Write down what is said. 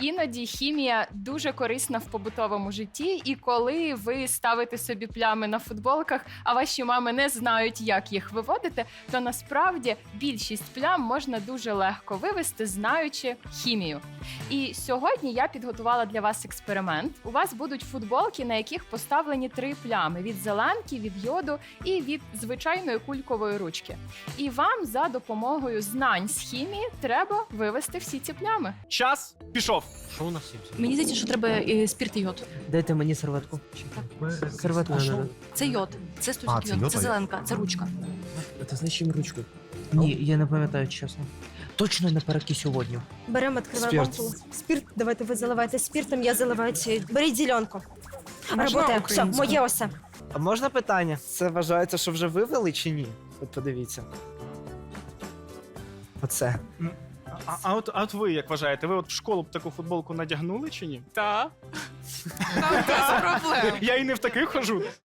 Іноді хімія дуже корисна в побутовому житті, і коли ви ставите собі плями на футболках, а ваші мами не знають, як їх виводити, то насправді більшість плям можна дуже легко вивести, знаючи хімію. І сьогодні я підготувала для вас експеримент. У вас будуть футболки, на яких поставлені 3 плями: від зеленки, від йоду і від звичайної кулькової ручки. І вам за допомогою знань з хімії треба вивести всі ці плями. Час пішов. Що у нас є? Мені здається, що треба спірт і йод. Дайте мені серветку. Серветку надо. Це йод, це стосик це йод, йод, це а зеленка, це ручка. Це значить чим ручку? Ні, я не пам'ятаю, чесно. Точно не перекись у водню. Беремо, відкриваємо Спирт. ампулу. Спирт, давайте ви заливайте спиртом, я заливаю цією. Беріть зеленку. Работає. Все, моє осе. А можна питання? Це вважається, що вже вивели чи ні? От подивіться. Оце. А от ви як вважаєте, ви от в школу б таку футболку надягнули чи ні? Так. Я і не в таких хожу.